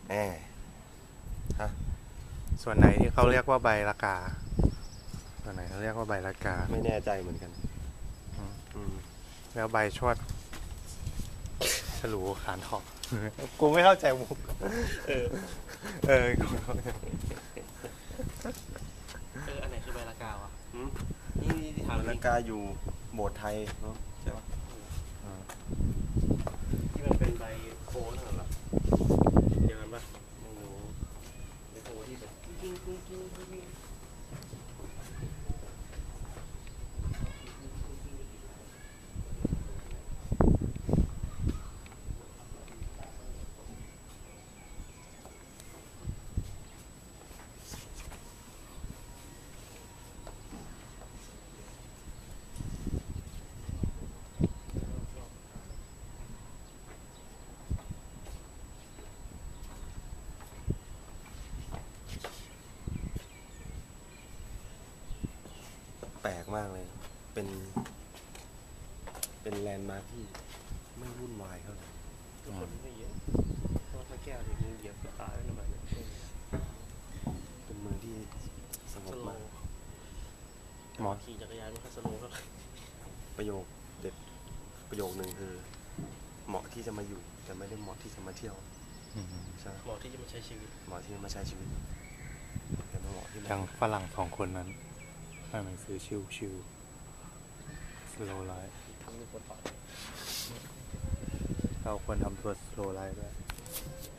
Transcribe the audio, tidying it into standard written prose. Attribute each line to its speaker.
Speaker 1: แหมฮะ
Speaker 2: ส่วนไหนที่เขาเรียกว่าใบละกาส่วนไหนเขาเรียกว่าใบละกา
Speaker 1: ไม่แน่ใจเหมือนกันอืม
Speaker 2: แล้วใบชวดฉลูขานทองกูไม่เข้าใจมุกกูไม่เข้าใจ
Speaker 3: อันไหนคือใบละกาวะ
Speaker 1: อืม
Speaker 3: นี่ที่ถาม
Speaker 1: นาฬิกาอยู่โบสถ์ไทยเนาะใช่ปะ
Speaker 3: ที่มันเป็นใบโค้งนั่นเหรอเดียวกันปะไม่รู้ใบโค้งที่แบบกิ้งกิ้งกิ้งกิ้งกิ้ง
Speaker 1: แปลกมากเลย เป็นแลนด์มาร์คที่ไม่วุ่นวายเท่าไหร่
Speaker 3: ทุกคนไม่เยอะเพราะว่าพระแก้วเนี่ยมึงเหยียบกระตายแล้วทำไมเนี่ย
Speaker 1: เป็นเมืองที่สง
Speaker 3: ส
Speaker 1: บ
Speaker 3: โล
Speaker 1: มาก
Speaker 3: ว์
Speaker 2: หมอ
Speaker 3: ขี่จักรยานมันก็สโลว์ก็
Speaker 1: ประโยคเด็ดประโยคหนึ่งคือ เหมาะที่จะมาอยู่ แต่ไม่ได้เหมาะที่จะมาเที่ยวใช่ไหม
Speaker 3: เหมาะที่จะมาใช้ชีวิต
Speaker 1: เหมาะที่จะมาใช้ชีวิตแต่ไม่เหมาะที่มา
Speaker 2: อย่างฝรั่ง2 คนนั้นอ่านหนังสือชิวสโลไลฟ์
Speaker 3: ทำให้คนต่อย
Speaker 2: เราควรทำตัวสโลไลฟ์ด้วย